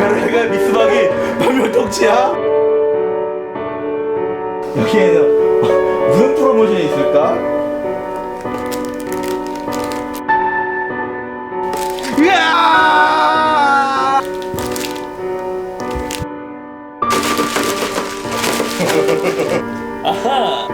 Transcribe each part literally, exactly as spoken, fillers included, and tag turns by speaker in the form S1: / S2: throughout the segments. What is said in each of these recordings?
S1: 가루가 미스박이 발명통치야? 여기에는 무슨 프로모션이 있을까? 으아! 아하!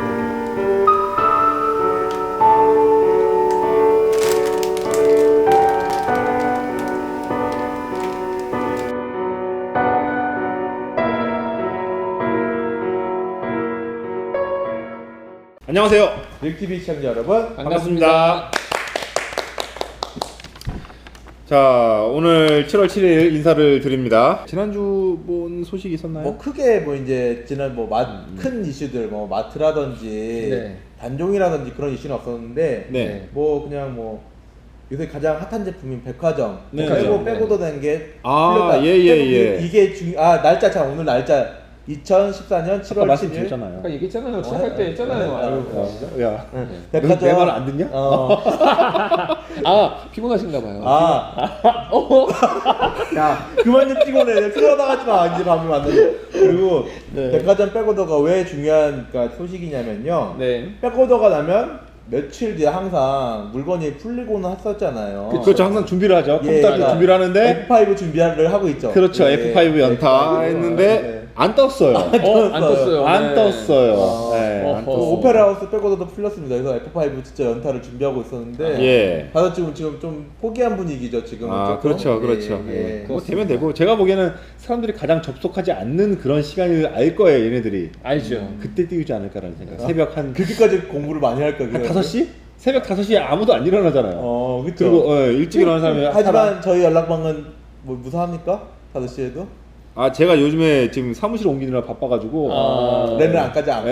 S2: 안녕하세요.
S1: 릭티비 시청자 여러분
S2: 반갑습니다. 자, 오늘 칠월 칠일 인사를 드립니다. 지난주 뭔 소식이 있었나요?
S1: 뭐 크게 뭐 이제 지난 뭐 큰 이슈들 뭐 마트라든지
S3: 네.
S1: 단종이라든지 그런 이슈는 없었는데
S2: 네.
S1: 뭐 그냥 뭐 요새 가장 핫한 제품인 백화점
S2: 네.
S1: 빼고
S3: 네.
S1: 빼고도 된 게
S2: 아, 예, 예, 예.
S1: 이게 중 아 날짜 참 오늘 날짜 이천십사년 칠월 칠일
S2: 말씀드렸잖아요.
S3: 아까 얘기했잖아요. 시작할 때 했잖아요. 아유,
S2: 야,
S1: 백화점
S2: 내 말 안 듣냐?
S1: 어.
S3: 아 피곤하신가 봐요.
S1: 아,
S3: 어?
S1: 야 그만 좀 피곤해. 피곤하지 마. 이제 밤이 왔는데. 그리고
S3: 네.
S1: 백화점 백오더가 왜 중요한 그러니까 소식이냐면요.
S3: 네.
S1: 백오더가 나면 며칠 뒤에 항상 물건이 풀리고는 했었잖아요.
S2: 그렇죠. 항상 준비를 하죠.
S1: 예,
S2: 컴퓨터
S1: 그러니까
S2: 준비를 하는데
S1: 에프 파이브 준비를 하고 있죠.
S2: 그렇죠.
S1: 예,
S2: 에프 파이브 연타 했는데
S1: 네.
S2: 안 떴어요.
S3: 어, 안 떴어요.
S2: 안
S3: 네.
S2: 떴어요.
S1: 아,
S2: 네,
S3: 어허.
S2: 안
S1: 그
S2: 떴어요.
S1: 오페라 하우스 백오더도 풀렸습니다. 그래서 에프 파이브 진짜 연타를 준비하고 있었는데
S2: 예.
S1: 다들 지금 지금 좀 포기한 분위기죠. 지금.
S2: 아, 그렇죠, 그렇죠. 예. 뭐 되면 되고 제가 보기에는 사람들이 가장 접속하지 않는 그런 시간을 알 거예요, 얘네들이.
S3: 알죠.
S2: 그때 띄우지 않을까라는 생각. 새벽 한
S1: 그렇게까지 공부를 많이 할까?
S2: 한 다섯 시? 새벽 다섯 시에 아무도 안 일어나잖아요.
S1: 어, 그렇죠.
S2: 그리고 어, 일찍 일어나는 사람이
S1: 하지만
S2: 사람-
S1: 저희 연락방은 뭐 무사합니까? 다섯 시에도?
S2: 아, 제가 요즘에 지금 사무실 옮기느라 바빠가지고
S3: 아.
S1: 렌을 안까지 안
S2: 예,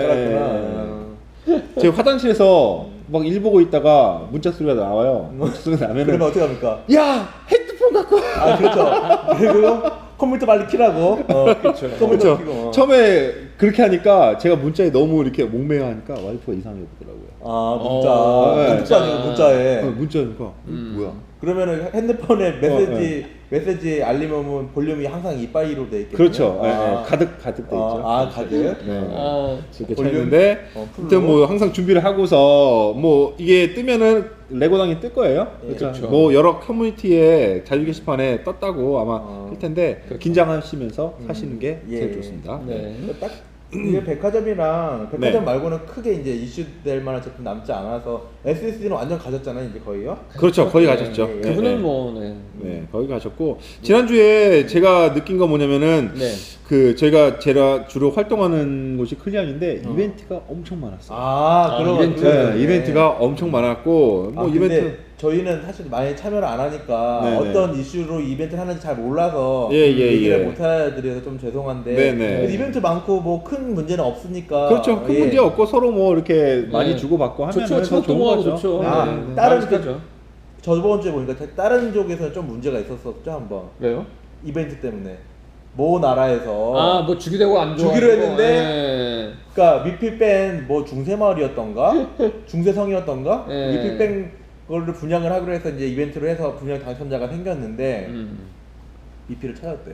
S1: 깔았구나.
S2: 제가 화장실에서 막 일 보고 있다가 문자 소리가 나와요. 문자 소리가 나면은
S1: 그러면 어떻게 합니까?
S2: 야, 헤드폰 갖고 와.
S1: 아 그렇죠. 그리고 컴퓨터 빨리 키라고. 어, 그렇죠. 컴퓨터
S2: 그렇죠.
S1: 키고. 어.
S2: 처음에 그렇게 하니까 제가 문자에 너무 이렇게 목매어 하니까 와이프가 이상해 보더라고요.
S1: 아 문자.
S3: 어,
S2: 네.
S1: 문자 아니고 문자에.
S2: 어, 문자니까
S3: 음.
S2: 뭐야?
S1: 그러면은 핸드폰에 메시지
S2: 어, 네.
S1: 메시지 알림 오면 볼륨이 항상 이빠이로 돼 있겠네요.
S2: 그렇죠. 예,
S1: 아,
S2: 예. 가득 가득 돼 있죠.
S1: 아, 아 가득.
S2: 네.
S3: 아,
S2: 이렇게
S1: 볼륨?
S2: 쳤는데
S1: 어, 풀로?
S2: 아무튼 뭐 항상 준비를 하고서 뭐 이게 뜨면은 레고당이 뜰 거예요.
S1: 예,
S3: 그렇죠.
S2: 뭐 여러 커뮤니티에 자유 게시판에 떴다고 아마
S1: 어.
S2: 할 텐데
S3: 그렇죠.
S2: 긴장하시면서 사시는 게
S1: 예.
S2: 제일 좋습니다.
S3: 네.
S1: 딱 이게 백화점이랑 백화점
S2: 네.
S1: 말고는 크게 이제 이슈될 만한 제품 남지 않아서 에스에스디는 완전 가졌잖아요 이제 거의요.
S2: 그렇죠. 거의
S3: 네.
S2: 가셨죠.
S1: 예, 예.
S3: 그분은
S2: 네.
S3: 뭐 네.
S2: 네, 거기 가셨고 지난주에 제가 느낀 거 뭐냐면은
S3: 네.
S2: 그 저희가 제가 주로 활동하는 곳이 클리앙인데
S1: 어.
S2: 이벤트가 엄청 많았어요.
S1: 아,
S3: 아,
S1: 그런
S3: 이벤트.
S2: 네,
S1: 네.
S2: 이벤트가 엄청 많았고 뭐
S1: 아,
S2: 이벤트
S1: 근데 저희는 사실 많이 참여를 안 하니까
S2: 네네.
S1: 어떤 이슈로 이벤트를 하는지 잘 몰라서
S2: 예, 예,
S1: 얘기를
S2: 예.
S1: 못 해드려서 좀 죄송한데
S2: 네네.
S1: 그래도 이벤트 많고 뭐 큰 문제는 없으니까
S2: 그렇죠. 큰
S1: 예.
S2: 문제 없고 서로 뭐 이렇게 많이
S3: 네.
S2: 주고받고 하면
S3: 좋죠.
S2: 더 좋은
S3: 친목동하고
S2: 거죠.
S3: 좋죠.
S1: 아,
S3: 네, 네.
S1: 다른
S3: 만족하죠.
S1: 저번 주에 보니까 다른 쪽에서는 좀 문제가 있었었죠 한번
S3: 왜요?
S1: 이벤트 때문에 모 나라에서
S3: 아, 뭐 주기되고 안 좋아.
S1: 주기로 했는데
S3: 네.
S1: 그러니까 미필 뺀뭐 중세 마을이었던가 중세 성이었던가
S3: 예.
S1: 미필 뺀 거를 분양을 하기로 해서 이제 이벤트로 해서 분양 당첨자가 생겼는데
S3: 음.
S1: 미필을 찾았대요.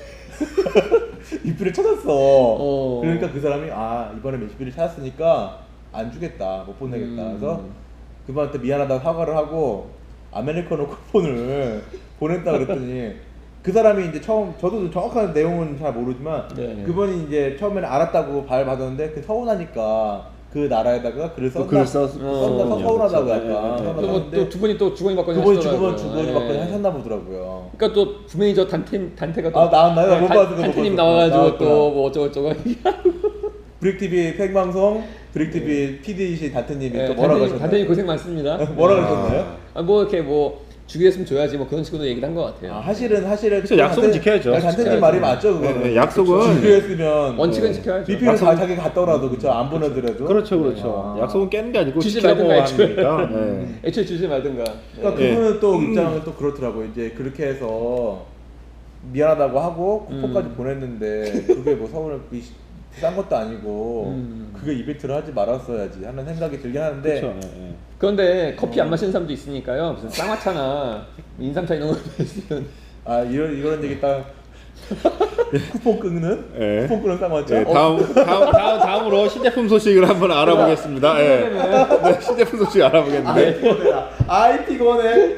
S1: 미필을 찾았어.
S3: 어.
S1: 그러니까 그 사람이 아 이번에 미필을 찾았으니까 안 주겠다 못 보내겠다.
S3: 음.
S1: 그래서 그분한테 미안하다고 사과를 하고 아메리카노 쿠폰을 보냈다 그랬더니 그 사람이 이제 처음 저도 정확한 내용은 잘 모르지만
S3: 네.
S1: 그분이 이제 처음에는 알았다고 발 받았는데 그 서운하니까 그 나라에다가 글을
S2: 또
S1: 썼나
S2: 글을 썼-
S1: 썼나
S3: 어,
S1: 서운하다고
S2: 그렇죠.
S1: 약간
S2: 네, 네, 네.
S1: 서운하다는데
S3: 또두 분이 또 주거니 받거니
S1: 그분이
S3: 하시더라고요.
S1: 주거니 주거니
S3: 네.
S1: 받거니 하셨나 보더라고요.
S3: 그러니까 또 분명히 저 단테 단테가 또
S1: 아, 나왔나요? 못 봤어, 못
S3: 단테님
S1: 봤어.
S3: 나와가지고
S1: 나왔구나.
S3: 또 뭐 어쩌고 저쩌고.
S1: 브릭티비 생방송 브릭티비 피디이신 다트님이 또 뭐라고
S3: 단테님,
S1: 하셨나요?
S3: 단테님 고생 많습니다.
S1: 뭐라고 하셨나요?
S3: 아, 뭐 이렇게 뭐 주기했으면 줘야지 뭐 그런 식으로 얘기를 한 것 같아요.
S1: 아, 사실은 사실은
S2: 그쵸, 약속은 지켜야죠.
S1: 단테님
S3: 지켜야죠.
S1: 말이 맞죠 그거는.
S2: 네, 네, 약속은-
S1: 준비했으면
S3: 원칙은 지켜야죠.
S1: 미필을
S2: 약속은-
S1: 다 자기 갔더라도 그쵸 안 보내더라도
S2: 그렇죠, 그렇죠.
S1: 아.
S2: 약속은 깨는 게 아니고
S3: 주지
S2: 지키라고
S3: 말든가 애초에.
S2: 하니까. 네.
S3: 애초에 주지 말든가.
S1: 그러니까
S2: 네.
S1: 그분은 또 입장은 또 그렇더라고. 이제 그렇게 해서 미안하다고 하고 쿠폰까지
S3: 음.
S1: 보냈는데 그게 뭐 서울에 싼 것도 아니고
S3: 음.
S1: 그게 이벤트를 하지 말았어야지 하는 생각이 들긴 하는데
S2: 그렇죠. 예, 예.
S3: 그런데 커피 안 마시는 사람도 있으니까요. 무슨 쌍화차나 인삼차 이런 거 있으면
S1: 아 이런 이런 얘기 딱 쿠폰 끊는?
S2: 예.
S1: 쿠폰 끊는 쌍화차?
S2: 네, 다음, 다음, 다음, 다음으로 신제품 소식을 한번 알아보겠습니다. 예. 네, 신제품 소식 알아보겠는데.
S1: 아이티 거네.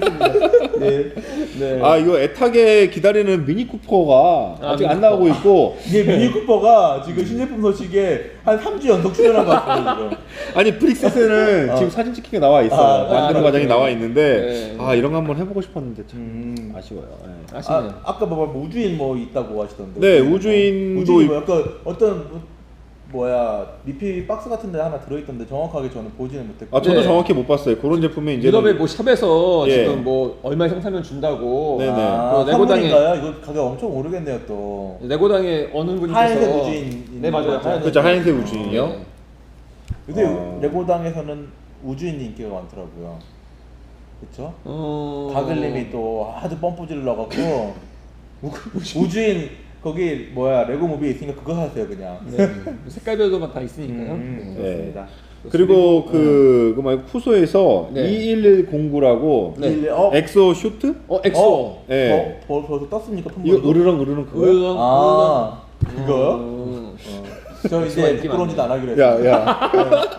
S1: 네. 네.
S2: 아, 이거 애타게 기다리는 미니 쿠퍼가
S3: 아,
S2: 아직
S3: 미니
S2: 안 나오고 있고.
S1: 이게 미니 쿠퍼가 지금 신제품 소식에 한 삼 주 연속 출연한 것 같아요, 지금.
S2: 아니, 브릭셋에는
S1: 어.
S2: 지금 사진 찍힌 게 나와 있어요.
S1: 아,
S2: 만드는
S3: 아,
S2: 과정이
S3: 네.
S2: 나와 있는데.
S3: 네.
S2: 아, 이런 거 한번 해보고 싶었는데 참
S1: 음.
S2: 아쉬워요. 예.
S3: 아쉽네요.
S1: 아, 아까 뭐 우주인 뭐 있다고 하시던데.
S2: 네,
S1: 우주인 뭐.
S2: 우주인도
S1: 우주인
S2: 있-
S1: 뭐 약간 어떤 뭐, 뭐야 리필 박스 같은 데 하나 들어있던데 정확하게 저는 보지는 못했고.
S2: 아, 저도
S3: 네.
S2: 정확히 못 봤어요. 그런 제품이 이제.
S3: 유럽의 뭐 샵에서
S2: 예.
S3: 지금 뭐 얼마 이상 사면 준다고.
S2: 네네.
S1: 아,
S3: 그 레고당에
S1: 선물인가요? 이거 가격 엄청 오르겠네요 또.
S3: 레고당에 어느 분께서
S1: 하얀색 우주인.
S3: 네 맞아요.
S1: 하얀색
S2: 그렇죠, 하얀색 우주인이요.
S3: 네.
S1: 근데
S2: 어.
S1: 레고당에서는 우주인이 인기가 많더라고요. 그쵸?
S3: 어...
S1: 가글님이 또 하도 펌프 질러갖고 우주인 거기 뭐야 레고 무비 있으니까 그거 사세요 그냥.
S3: 네. 색깔별로만 다 있으니까요.
S1: 음,
S3: 네.
S1: 그렇습니다.
S2: 그리고 그, 그 말고 푸소에서
S3: 네.
S2: 이일일공구라고
S3: 네.
S1: 어,
S2: 엑소 슈트?
S3: 어 엑소.
S1: 어?
S2: 예.
S1: 어? 벌, 벌써 떴습니까?
S2: 이거
S1: 품목도?
S2: 으르렁 으르렁 그거요?
S3: 으르렁,
S1: 아
S3: 으르렁.
S1: 그거요?
S3: 음.
S1: 어. 저
S3: 엑소가
S1: 이제
S3: 인기
S1: 부끄러운 짓 안
S3: 많네.
S1: 하기로 했어요.
S2: 야, 야.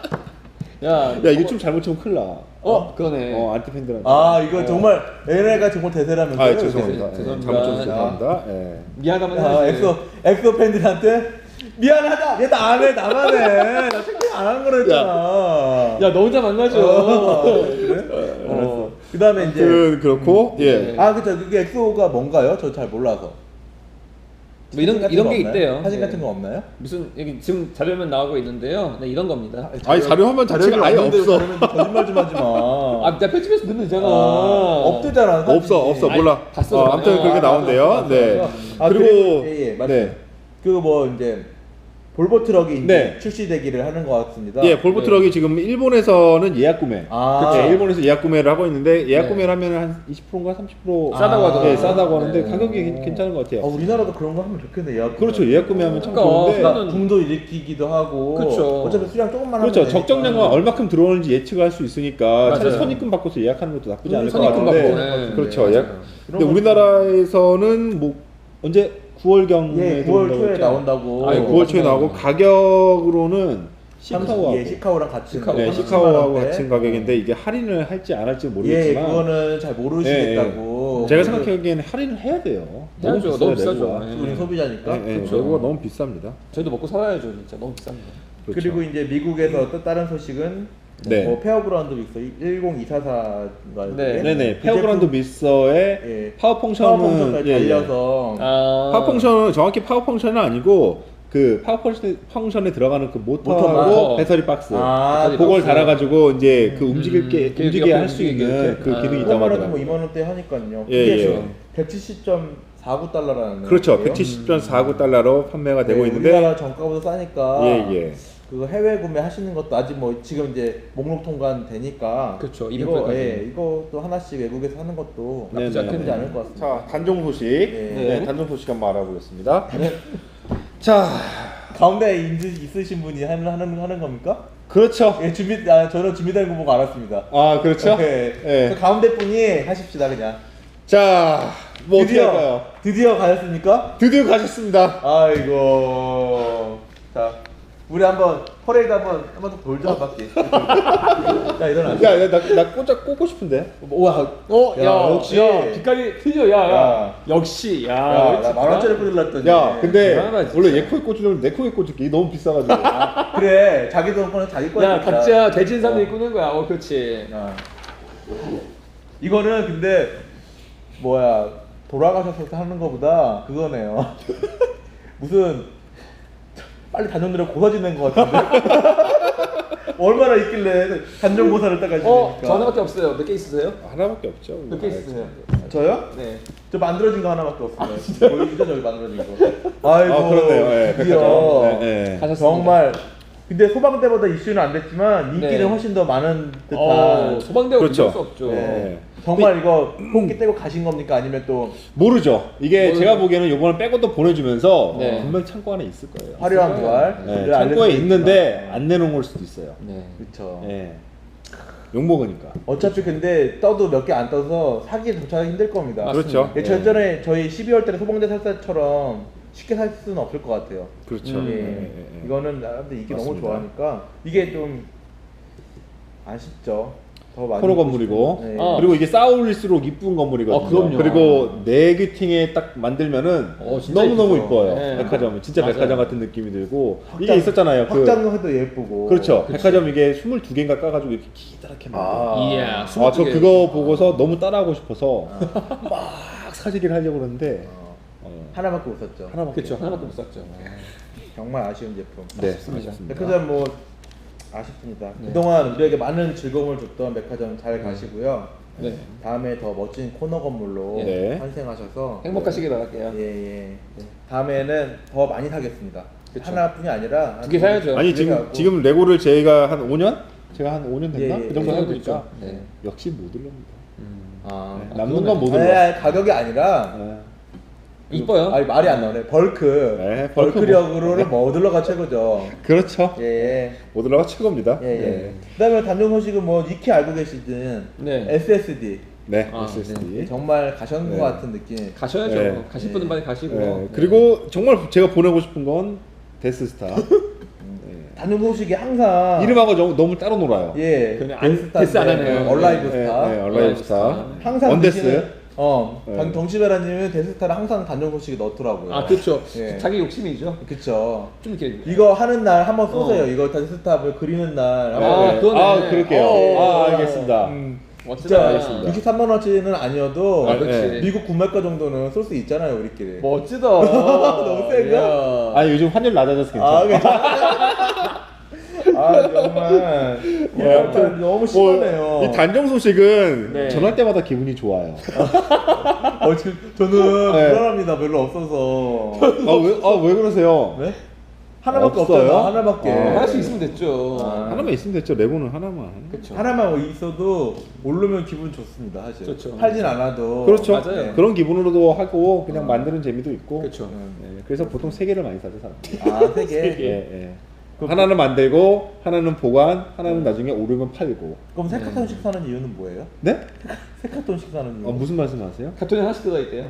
S3: 야,
S2: 야, 이거 좀 잘못 치면 큰일 나.
S3: 어, 그러네.
S2: 어, 안티팬들한테.
S1: 아 이거
S3: 어.
S1: 정말 얘네가 정말 대세라면서요?
S2: 아, 죄송합니다.
S3: 죄송-
S2: 예,
S3: 죄송합니다.
S2: 잘못 좀 죄송합니다. 예.
S3: 미안하면
S1: 야,
S3: 해야지.
S1: 엑소 엑소 팬들한테 미안하다. 얘 나 안 해, 나만 해. 나 챙겨 안 하는 거라 했잖아.
S3: 야, 너 혼자 만나죠.
S1: 어, 그래? 알았어. 그 다음에 이제
S2: 그 그렇고 예.
S3: 네.
S1: 아 그쵸 그게 엑소가 뭔가요? 저 잘 몰라서.
S3: 뭐 이런
S1: 사진 같은
S3: 이런
S1: 거
S3: 게
S1: 없나요?
S3: 있대요.
S1: 사진
S3: 네.
S1: 같은 거 없나요?
S3: 무슨 여기 지금 자료면 나오고 있는데요. 네, 이런 겁니다.
S2: 아니 자료 화면 자체가 아예
S1: 없는데
S2: 없어.
S1: 자료면 거짓말 좀 하지 마.
S3: 아, 내가 편집해서 넣으면 되잖아.
S1: 아, 없대잖아. 사진이.
S2: 없어 없어
S3: 아니,
S2: 몰라.
S3: 봤어,
S2: 어,
S3: 저번에.
S2: 아무튼 그렇게
S1: 아,
S2: 나온대요.
S1: 봤어, 봤어,
S2: 네.
S1: 봤어. 아,
S2: 그리고
S1: 그리고 예, 예, 맞아요.
S2: 네.
S1: 그 뭐 이제 볼보 트럭이 이제
S2: 네.
S1: 출시되기를 하는 것 같습니다.
S2: 예, 볼보
S3: 네.
S2: 트럭이 지금 일본에서는 예약 구매.
S1: 아.
S2: 그렇죠. 일본에서 예약 구매를 하고 있는데 예약
S3: 네.
S2: 구매를 하면 한 이십 퍼센트인가 삼십 퍼센트
S3: 싸다고 하더라고요.
S2: 예, 싸다고 하는데
S3: 네.
S2: 가격이 괜- 괜찮은 것 같아요.
S1: 아, 우리나라도 그런 거 하면 좋겠네. 예약.
S2: 그렇죠. 예약 구매하면 참
S3: 그러니까,
S2: 좋은데.
S3: 그거는-
S1: 붐도 일으키기도 하고.
S3: 그렇죠.
S1: 어차피 수량 조금만 하면
S2: 그렇죠.
S1: 되니까.
S2: 적정량과 얼마큼 들어오는지 예측할 수 있으니까
S3: 맞아요.
S2: 차라리 선입금 받고서 예약하는 것도 나쁘지 않을 것
S3: 선입금
S2: 같은데.
S3: 받고, 네.
S2: 그렇죠.
S3: 네,
S2: 예약.
S3: 맞아요.
S2: 근데 우리나라에서는 뭐 언제 구월경에
S1: 예, 구월 초에 나온다고.
S2: 네, 구월 초에 나오고 가격으로는 시카오하고
S1: 예, 시카오랑 같이.
S3: 시카오.
S2: 네,
S1: 삼십만
S2: 시카오하고
S1: 원대.
S2: 같은 가격인데 이게 할인을 할지 안 할지
S1: 예,
S2: 모르겠지만
S1: 그거는 잘 모르시겠다고.
S2: 제가 생각하기에는 할인을 해야 돼요.
S3: 해야죠.
S2: 비싸요,
S3: 너무 비싸죠.
S2: 레고가.
S3: 네.
S1: 우리 소비자니까.
S2: 네, 네,
S3: 그렇죠.
S2: 레고가 너무 비쌉니다.
S3: 저희도 먹고 살아야죠, 진짜. 너무 비쌉니다.
S2: 그렇죠.
S1: 그리고 이제 미국에서 또 다른 소식은
S2: 네.
S1: 뭐 페어그라운드 믹서 일공이사사인가요?
S3: 네.
S2: 네네 페어그라운드 믹서의
S1: 예.
S2: 파워 펑션은
S1: 파워 펑션까지
S2: 예, 예.
S1: 달려서
S3: 아.
S2: 파워 펑션은 정확히 파워 펑션은 아니고 그 파워 펑션에, 펑션에 들어가는 그 모터하고
S3: 모터.
S2: 배터리 박스
S1: 아,
S3: 배터리
S2: 그걸
S3: 박스.
S2: 달아가지고 이제 그 움직일게
S3: 음,
S2: 움직이게
S3: 옆에
S2: 할 수
S3: 움직이게
S2: 있는
S3: 이렇게.
S2: 그
S3: 아.
S2: 기능이 있다고
S1: 이거만 해도 뭐
S2: 하더라고요.
S1: 이만 원대 하니까요.
S2: 예,
S1: 그게
S2: 예.
S1: 백칠십 점 사구 달러라는
S2: 그렇죠. 백칠십 점 사구 달러로 판매가 되고 있는데
S1: 네, 우리나라 정가보다 싸니까
S2: 예, 예.
S1: 그거 해외 구매 하시는 것도 아직 뭐 지금 이제 목록 통관 되니까
S3: 그렇죠.
S1: 이거
S3: 이벤트까지.
S1: 예, 이것도 하나씩 외국에서 하는 것도
S2: 네,
S1: 나쁘지
S2: 네,
S1: 나쁘지
S2: 네.
S1: 않을 것 같습니다.
S2: 자 단종 소식
S1: 네.
S2: 네, 단종 소식 한번 알아보겠습니다. 자
S1: 가운데 있- 있으신 분이 하는 하는 하는 겁니까?
S2: 그렇죠.
S1: 예, 준비 아, 저는 준비된 거 보고 알았습니다.
S2: 아 그렇죠.
S1: 예.
S2: 예.
S1: 그 가운데 분이 하십시다 그냥.
S2: 자 뭐 어떻게
S1: 드디어
S2: 할까요?
S1: 드디어 가셨습니까?
S2: 드디어 가셨습니다.
S1: 아이고. 자, 우리 한번 퍼레이드 한번 한번 더 돌자 한 바퀴. 자, 일어나.
S2: 야, 야, 나, 나 꽂아 꽂고 싶은데.
S1: 우와.
S3: 어, 야,
S1: 야,
S3: 역시.
S1: 역시.
S3: 야, 빛깔이 틀려, 야, 야.
S1: 야.
S3: 역시, 야.
S1: 야, 나 만 원짜리 꽂으려더니.
S2: 야, 근데
S3: 대단하다, 진짜.
S2: 원래 얘 코에 꽂으려면 내 코에 꽂을게. 너무 비싸가지고.
S1: 그래. 자기 돈 꺼내 자기 거야.
S3: 야, 각자 대진 사람들이 꾸는 거야. 어, 그렇지.
S1: 야. 이거는 근데 뭐야 돌아가셔서 하는 거보다 그거네요. 무슨 빨리 단종들을 고사지낸 것 같은데. 얼마나 있길래 단종고사를 딱 하시니까.
S3: 어, 저 하나밖에 없어요. 몇 개 있으세요?
S2: 하나밖에 없죠.
S3: 몇 개 있으세요?
S1: 저요?
S3: 네.
S1: 저 만들어진 거 하나밖에 없어요. 보이시죠 저기 만들어진 거. 아이고.
S2: 아, 그렇네요. 예,
S1: 드디어
S2: 백화점. 네, 네.
S3: 가셨습니다.
S1: 정말. 근데 소방대보다 이슈는 안 됐지만 인기는
S3: 네.
S1: 훨씬 더 많은 듯한.
S3: 어, 소방대가
S2: 그렇죠.
S3: 그럴 수 없죠.
S1: 네. 정말 이거 뽑기 떼고 가신 겁니까? 아니면 또
S2: 모르죠. 이게
S3: 모르죠.
S2: 제가 보기에는 요번에 백업도 보내주면서
S3: 네.
S2: 분명 창고 안에 있을 거예요.
S1: 화려한 부활?
S2: 네, 창고에 있는데 안 내놓은 걸 수도 있어요.
S3: 네.
S1: 그렇죠.
S2: 네. 욕 먹으니까.
S1: 어차피 근데 떠도 몇 개 안 떠서 사기에 도착하기 힘들 겁니다.
S2: 그렇죠.
S1: 예, 저 전에 저희 십이월 달에 소봉대 살 때처럼 쉽게 살 수는 없을 것 같아요.
S2: 그렇죠.
S3: 음.
S1: 예.
S2: 예, 예, 예.
S1: 이거는 사람들 이게 너무
S2: 맞습니다.
S1: 좋아하니까 이게 좀 아쉽죠. 더 많이
S2: 코너
S1: 입고
S2: 건물이고
S1: 싶은- 예.
S3: 아.
S2: 그리고 이게 쌓아올릴수록 이쁜 건물이거든요.
S3: 아, 그럼요.
S2: 그리고 네개팅에 딱 만들면은
S3: 어, 진짜
S2: 너무 너무
S3: 이쁘죠.
S2: 이뻐요.
S3: 네.
S2: 백화점 진짜
S3: 맞아요.
S2: 백화점 같은 느낌이 들고 이게
S1: 확장-
S2: 있었잖아요. 그
S1: 확장도 예쁘고.
S2: 그렇죠.
S3: 그치.
S2: 백화점 이게 스물두 개인가 까가지고 이렇게 기다랗게
S1: 아.
S2: 만들어요.
S3: 이야,
S2: 아, 저
S3: 스물두 개.
S2: 그거 보고서 너무 따라하고 싶어서 막 사재기를 하려고 그러는데
S1: 어,
S2: 어,
S1: 하나밖에 못 샀죠.
S2: 하나밖에
S3: 그렇죠. 하나밖에 못 샀죠.
S1: 정말 아쉬운 제품.
S2: 네,
S3: 아쉽습니다.
S2: 아쉽습니다.
S1: 백화점 뭐 아쉽습니다.
S3: 네.
S1: 그동안 우리에게 많은 즐거움을 줬던 백화점 잘 가시고요.
S3: 네.
S1: 다음에 더 멋진 코너 건물로
S2: 네.
S1: 환생하셔서
S3: 행복하시길 바랄게요.
S1: 예, 예. 다음에는 더 많이 사겠습니다.
S3: 그쵸.
S1: 하나뿐이 아니라
S3: 두개 사야죠.
S2: 아니
S1: 두개
S2: 지금
S1: 사고.
S2: 지금 레고를 제가 한 오 년? 제가 한 오 년 됐나?
S1: 예, 예,
S2: 그 정도
S1: 예.
S2: 하고
S3: 그렇죠.
S2: 있니까
S3: 네.
S2: 역시 못 올립니다.
S3: 음.
S1: 아,
S2: 네,
S3: 아,
S2: 남는
S3: 그거는-
S2: 건 못
S1: 아니,
S2: 올려.
S1: 아니, 가격이 아니라
S2: 네.
S3: 이뻐요.
S1: 아니 말이 안 나오네. 벌크.
S2: 네, 벌크
S1: 벌크력으로는 머들러가 최고죠.
S2: 그렇죠.
S1: 예, 예.
S2: 못 올라가 최고입니다.
S1: 예, 예.
S2: 네.
S1: 그다음에 단종 소식은 뭐 익히 알고 계시든
S3: 네.
S1: 에스에스디
S2: 네,
S3: 아,
S2: 에스에스디.
S1: 정말 가셨는
S2: 네.
S1: 것 같은 느낌.
S3: 가셔야죠.
S2: 네.
S3: 가실 분은 빨리 가시고.
S2: 네,
S3: 네.
S2: 그리고 정말 제가 보내고 싶은 건 데스스타. 네.
S1: 단종 소식이 항상
S2: 이름하고 너무, 너무 따로 놀아요.
S1: 예,
S3: 그러면 안-
S1: 데스타인데,
S3: 데스 안 하네요.
S1: 얼라이브
S2: 네,
S1: 스타.
S2: 네, 얼라이브 스타.
S1: 항상
S2: 원데스.
S1: 드시는- 어,
S2: 네.
S1: 당 덩치베라님은 데스타를 항상 단종 소식에 넣더라고요.
S3: 아, 그렇죠.
S1: 예.
S3: 자기 욕심이죠.
S1: 그쵸.
S3: 좀 이렇게.
S1: 이거 하는 날 한번 쏘세요.
S3: 어.
S1: 이거 데스타를 그리는 날.
S3: 아,
S1: 한번.
S3: 그거네.
S2: 아, 그럴게요.
S1: 어.
S2: 아, 알겠습니다.
S1: 음,
S3: 멋지다.
S1: 진짜
S2: 알겠습니다.
S1: 육십삼만 원어치는 아니어도
S3: 아, 그렇지.
S2: 네.
S1: 미국 구매가 정도는 쏠 수 있잖아요, 우리끼리.
S3: 멋지다.
S1: 너무 센가?
S3: 이야.
S2: 아, 요즘 환율 낮아져서
S1: 아,
S2: 괜찮아.
S1: 아, 정말.
S2: 예, 아무튼
S1: 너무 심하네요.
S2: 이 단정 소식은
S3: 네.
S2: 전할 때마다 기분이 좋아요.
S1: 어, 지금 저는
S2: 네.
S1: 불안합니다. 별로 없어서.
S2: 아, 왜, 아, 왜 그러세요?
S1: 네? 하나밖에
S2: 없어요?
S1: 없잖아. 하나밖에.
S2: 어.
S3: 하나씩 있으면 됐죠.
S1: 아.
S2: 하나만 있으면 됐죠. 레고는 하나만.
S3: 그렇죠.
S1: 하나만 있어도 오르면 기분 좋습니다, 사실.
S3: 그렇죠.
S1: 팔진 않아도.
S2: 그렇죠.
S3: 맞아요.
S1: 네.
S2: 그런 기분으로도 하고 그냥
S1: 어.
S2: 만드는 재미도 있고.
S3: 그렇죠.
S1: 음.
S2: 네, 그래서 보통 세 개를 많이 사죠, 사람들이.
S1: 아, 세 개.
S2: 예, 예. 하나는 만들고, 하나는 보관, 하나는
S1: 음.
S2: 나중에 오르면 팔고.
S1: 그럼 세 카톤씩 사는 이유는 뭐예요?
S2: 네?
S1: 세 카톤씩 사는 이유.
S2: 어, 무슨 말씀하세요?
S3: 카톤에 하나씩 들어있대요.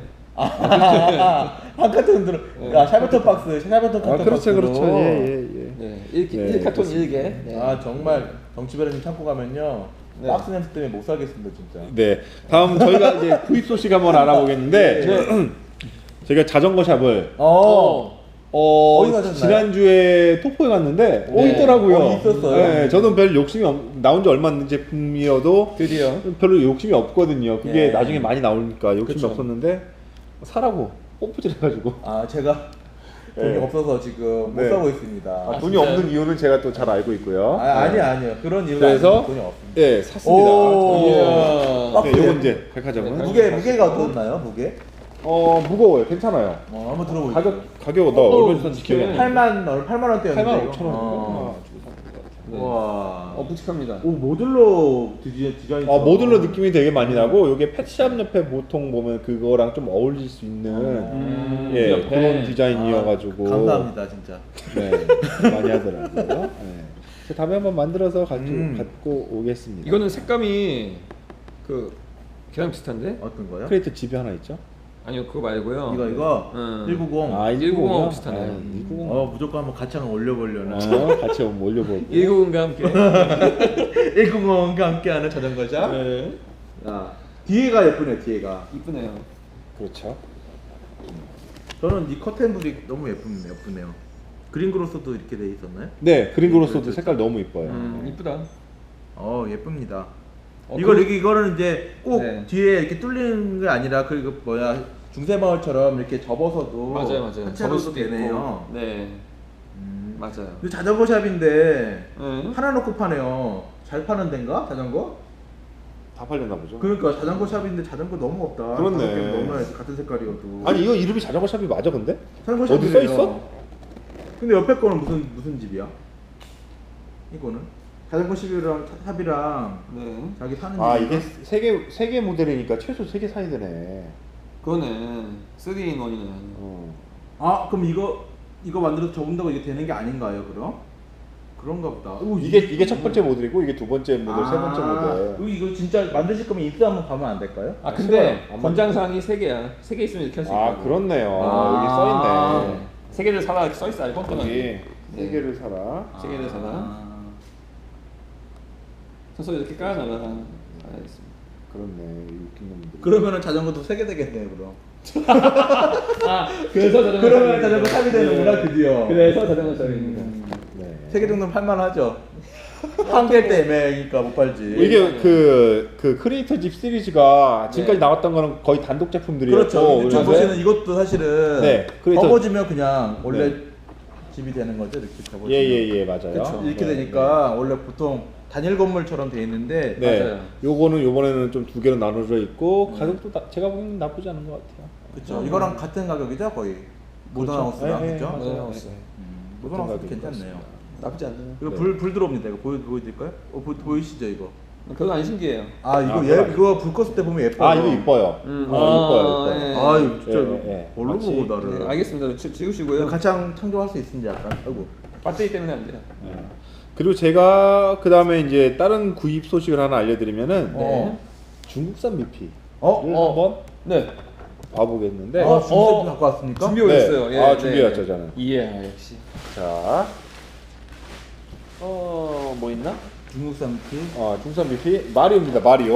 S1: 아, 한 카톤 들어. 아, 샤베톤 박스, 샤베톤
S2: 아,
S1: 카톤
S2: 그렇죠,
S1: 박스로.
S2: 그렇죠. 예, 예, 예.
S3: 네. 일,
S2: 네,
S3: 일 카톤
S2: 그렇습니다.
S3: 일 개. 네.
S1: 아, 정말 정치배라님 참고 가면요.
S3: 네.
S1: 박스 냄새 때문에 못 살겠습니다, 진짜.
S2: 네. 다음 저희가 이제 구입 소식 한번 알아보겠는데,
S3: 네.
S2: 저희가 자전거 샵을
S1: 어.
S2: 어,
S1: 어디 가셨나요?
S2: 지난주에 토포에 갔는데 어
S3: 네.
S2: 있더라고요.
S1: 어, 있었어요?
S2: 네, 저는 별 욕심이 없, 나온 지 얼마 안 된 제품이어도
S3: 드디어.
S2: 별로 욕심이 없거든요. 그게
S1: 네.
S2: 나중에 많이 나오니까 욕심이
S3: 그쵸.
S2: 없었는데 사라고 뽐뿌질 해가지고
S1: 아, 제가 돈이
S2: 네.
S1: 없어서 지금 못
S2: 네.
S1: 사고 있습니다.
S2: 아,
S1: 아,
S2: 돈이
S3: 진짜요?
S2: 없는 이유는 제가 또 잘 알고 있고요.
S1: 아니요, 아니요. 그런 이유가
S2: 그래서
S1: 아니고 돈이 없습니다.
S2: 예, 샀습니다.
S1: 오.
S3: 이야.
S2: 네, 요건 이제 백화점은
S3: 네,
S1: 무게, 무게가 어떻나요, 무게?
S2: 어 무거워요. 괜찮아요.
S1: 어, 한번 들어보세요.
S2: 가격 가격 나
S3: 어,
S2: 얼마
S3: 어,
S2: 줬는지 기억이 안 나.
S1: 팔만, 어, 팔만 원대였는데.
S2: 팔만 오천 원.
S1: 어.
S3: 네.
S1: 와.
S3: 어, 묵직합니다.
S1: 오, 모듈러 디자인, 디자인.
S2: 아 모듈러 느낌이 되게 많이 나고 이게 펫샵 옆에 보통 보면 그거랑 좀 어울릴 수 있는
S1: 음,
S2: 예
S3: 옆에.
S2: 그런 디자인이어가지고
S1: 아, 감사합니다, 진짜.
S2: 네 많이 하더라고요. 네. 그래서 다음에 한번 만들어서 가지고
S1: 음.
S2: 갖고 오겠습니다.
S3: 이거는 색감이 그 걔랑 비슷한데?
S1: 어떤 거요?
S2: 크레이트 집이 하나 있죠?
S3: 아니요, 그거 말고요.
S1: 이거, 이거.
S3: 음.
S1: 일구십.
S2: 아
S3: 일구십하고
S2: 일구십이요?
S3: 비슷하네.
S2: 아, 일구십.
S1: 어, 무조건 한번 같이 한번 올려보려나.
S2: 어, 같이 한번 올려보고.
S3: 일구십과 함께.
S1: 일구십과 함께하는 자전거샵.
S3: 네.
S1: 야, 뒤에가 예쁘네, 뒤에가.
S3: 이쁘네요.
S2: 그렇죠.
S1: 저는 이 커튼불이 너무 예쁘네요, 예쁘네요. 그린그로스도 이렇게 돼 있었나요?
S2: 네 그린그로스도 색깔 너무 이뻐요.
S3: 음, 이쁘다.
S1: 어, 예쁩니다.
S3: 어,
S1: 이걸
S3: 그-
S1: 이렇게 이거는 이제 꼭
S3: 네.
S1: 뒤에 이렇게 뚫리는 게 아니라 그 뭐야 중세마을처럼 이렇게 접어서도
S3: 맞아요, 맞아요.
S1: 하체로도
S3: 접을 수도
S1: 되네요.
S3: 있고. 네,
S1: 음.
S3: 맞아요.
S1: 근데 자전거 샵인데
S3: 응?
S1: 하나 놓고 파네요. 잘 파는 데인가 자전거?
S2: 다 팔렸나 보죠.
S1: 그러니까 자전거 샵인데 자전거 너무 없다.
S2: 그렇네.
S1: 다섯 개 넘어야지 같은 색깔이어도.
S2: 아니 이거 이름이 자전거 샵이 맞아 근데?
S1: 자전거
S2: 어디
S1: 샵이네요.
S2: 써 있어?
S1: 근데 옆에 거는 무슨 무슨 집이야? 이거는 자전거 샵이랑 샵이랑
S3: 네.
S1: 자기 사는
S2: 아
S1: 집인가?
S2: 이게 세개 세 개 모델이니까 최소 세 개 사야 되네.
S3: 그거는 쓰리 인 원이네.
S2: 어.
S1: 아 그럼 이거 이거 만들어서 접은다고 이게 되는 게 아닌가요 그럼? 그런가 보다. 오,
S2: 이게 이게 첫 번째 모델이고 이게 두 번째 모델, 세 번째 모델.
S1: 이거, 이거 진짜 만드실 거면 입수 한번 가면 안 될까요?
S3: 아 근데
S2: 싫어요. 안
S3: 권장사항이 세 개야. 세 개 있으면 이렇게 할 수 있다.
S2: 아 그렇네요.
S1: 아.
S2: 여기 써 있네.
S3: 세 개를 사라 이렇게 써 있어. 아니
S2: 여기
S3: 뻥뻥하게.
S2: 세 개를 사라.
S3: 세 개를 사라. 서서 이렇게 깔아놔라. 알겠습니다.
S2: 그렇네. 이 웃긴 놈들.
S1: 그러면은 자전거도 세 개 되겠네요, 그럼.
S3: 아 그래서 자전거.
S1: 그러면 자전거 탑이 되는구나, 드디어.
S3: 그래서 자전거 탑입니다.
S2: 네.
S1: 세 개 정도는 팔만하죠. 한 개 때 애매하니까 못 팔지.
S2: 이게 그, 그 크리에이터 집 시리즈가 지금까지
S3: 네.
S2: 나왔던 거는 거의 단독 제품들이었고
S1: 그렇죠. 근데 저
S2: 그래서-
S1: 보시는 이것도 사실은
S2: 네, 그래서-
S1: 접어지면 그냥 원래
S2: 네.
S1: 집이 되는 거죠, 이렇게 접어지면.
S2: 예예예 맞아요.
S1: 그렇죠. 이렇게
S2: 네,
S1: 되니까 원래 보통 단일 건물처럼 돼 있는데
S2: 네.
S3: 맞아요.
S2: 요거는 요번에는 좀 두 개로 나눠져 있고 가격도 나, 제가 보기엔 나쁘지 않은 것 같아요.
S1: 그렇죠. 이거랑 같은 가격이죠, 거의. 모던하우스랑
S2: 네, 네,
S1: 그죠?
S2: 맞아요.
S3: 모던하우스.
S1: 음, 모던하우스
S2: 같은
S1: 괜찮네요.
S2: 가격인
S3: 나쁘지 않네요.
S1: 이거
S2: 네.
S1: 불, 불 들어옵니다. 이거 보여 보여드릴까요? 어, 보, 보이시죠 이거?
S3: 그건 안 신기해요.
S1: 아 이거
S2: 아,
S1: 얘
S2: 그거
S1: 이거 불 껐을 때 보면 예뻐요.
S2: 아 이거 이뻐요.
S3: 음,
S2: 어,
S3: 아,
S2: 이뻐요, 이뻐요.
S3: 예.
S1: 아 이거 진짜
S2: 예,
S1: 이거
S2: 예.
S1: 뭘로
S2: 마치-
S1: 보고 나를?
S3: 네, 알겠습니다. 지, 지우시고요.
S1: 가창 창조할 수 있는지 약간. 아이고.
S3: 배터리 때문에 안 돼요.
S2: 예. 그리고 제가 그 다음에 이제 다른 구입 소식을 하나 알려드리면은
S1: 어.
S2: 중국산 미피
S1: 어?
S2: 를
S3: 어.
S2: 한번
S3: 네.
S2: 봐보겠는데
S1: 아,
S3: 어,
S1: 중세품
S3: 어.
S1: 갖고 왔습니까?
S3: 준비 오셨어요.
S2: 네.
S3: 예,
S2: 아, 준비해왔죠, 저는.
S3: 예, 아, 역시.
S2: 자, 어, 뭐 있나?
S1: 중국산 피.
S2: 어, 중국산 미피 마리오입니다, 마리오.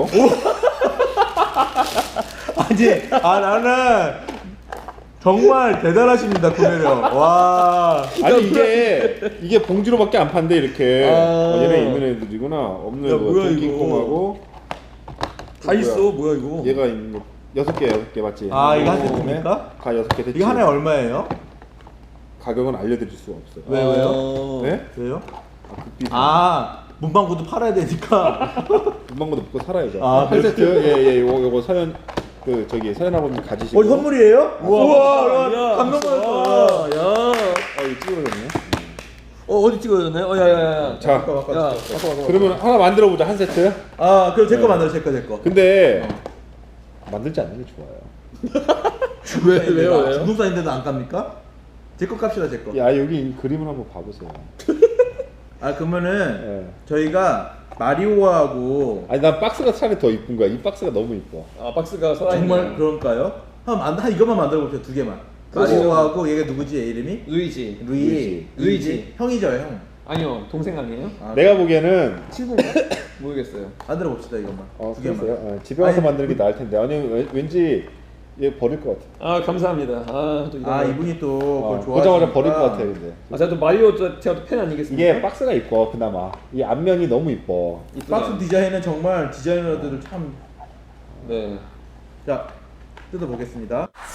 S1: 아니, 아 나는 정말 대단하십니다, 구매력. 와.
S2: 아니 이게 이게 봉지로밖에 안 판대 이렇게.
S1: 아.
S2: 어, 얘네 있는 애들이구나. 없는
S1: 야,
S2: 애들.
S1: 뭐야,
S2: 킹콩하고
S3: 다 있어. 뭐야 이거?
S2: 얘가 있는 거 여섯 개 여섯 개 맞지?
S1: 아, 이거 한
S2: 그다음에
S1: 세트입니까?
S2: 가 여섯 개 됐지.
S1: 이게 하나에 얼마예요?
S2: 가격은 알려드릴 수가 없어요.
S1: 왜, 왜요?
S3: 어.
S2: 네?
S1: 왜요?
S2: 아, 극비.
S1: 아, 문방구도 팔아야 되니까.
S2: 금방도 먹고 살아야죠.
S1: 아,
S2: 한 세트 예예 요거 요거 서현 그 저기 서현 아버님 가지시고.
S1: 어, 선물이에요?
S3: 우와,
S1: 우와,
S3: 야,
S1: 감동받았어.
S3: 야.
S2: 어 이거 찍어졌네.
S3: 어 어디 찍어졌네? 어 야야야.
S2: 자,
S1: 바꿔, 바꿔,
S3: 야,
S1: 바꿔.
S3: 바꿔 바꿔.
S2: 그러면 하나 만들어 보자 한 세트.
S1: 아, 그럼 제거
S2: 네.
S1: 만들어, 제거, 제거.
S2: 근데 만들지 않는 게 좋아요.
S3: 왜 왜요 왜요?
S1: 중국산인데도 안 깝니까? 제거 깝시다, 제거.
S2: 야 여기 이 그림을 한번 봐보세요.
S1: 아, 그러면은
S2: 예.
S1: 저희가 마리오하고
S2: 아니 난 박스가 차라리 더 이쁜 거야. 이 박스가 너무 이뻐.
S3: 아 박스가 살아있네.
S1: 정말 그럴까요? 한, 한, 한 이것만 만들어 봅시다, 두 개만.
S3: 그렇죠.
S1: 마리오하고 얘가 누구지, 얘 이름이?
S3: 루이지.
S1: 루이.
S2: 루이지.
S3: 루이지.
S1: 형이죠, 형.
S3: 아니요 동생 아니에요?
S1: 아,
S2: 내가 보기에는
S3: 친구인가? 모르겠어요.
S1: 만들어 봅시다, 이것만.
S2: 어,
S1: 두 개만.
S2: 그랬어요. 어, 집에 와서
S1: 아니,
S2: 만드는 게 나을 텐데. 아니 왠- 왠지 얘 버릴 것 같아.
S3: 아 감사합니다. 아또 이런
S1: 아,
S3: 거.
S1: 이분이 또
S2: 어,
S1: 그걸 좋아하시니까.
S2: 보자마자 버릴 것 같아 근데.
S3: 아 제가 또 마리오 저- 제가 또 팬 아니겠습니까?
S2: 이게 박스가 이뻐 그나마. 이 앞면이 너무 이뻐.
S3: 이쁘다.
S1: 박스 디자인은 정말 디자이너들을 참.
S3: 네.
S1: 자, 뜯어보겠습니다.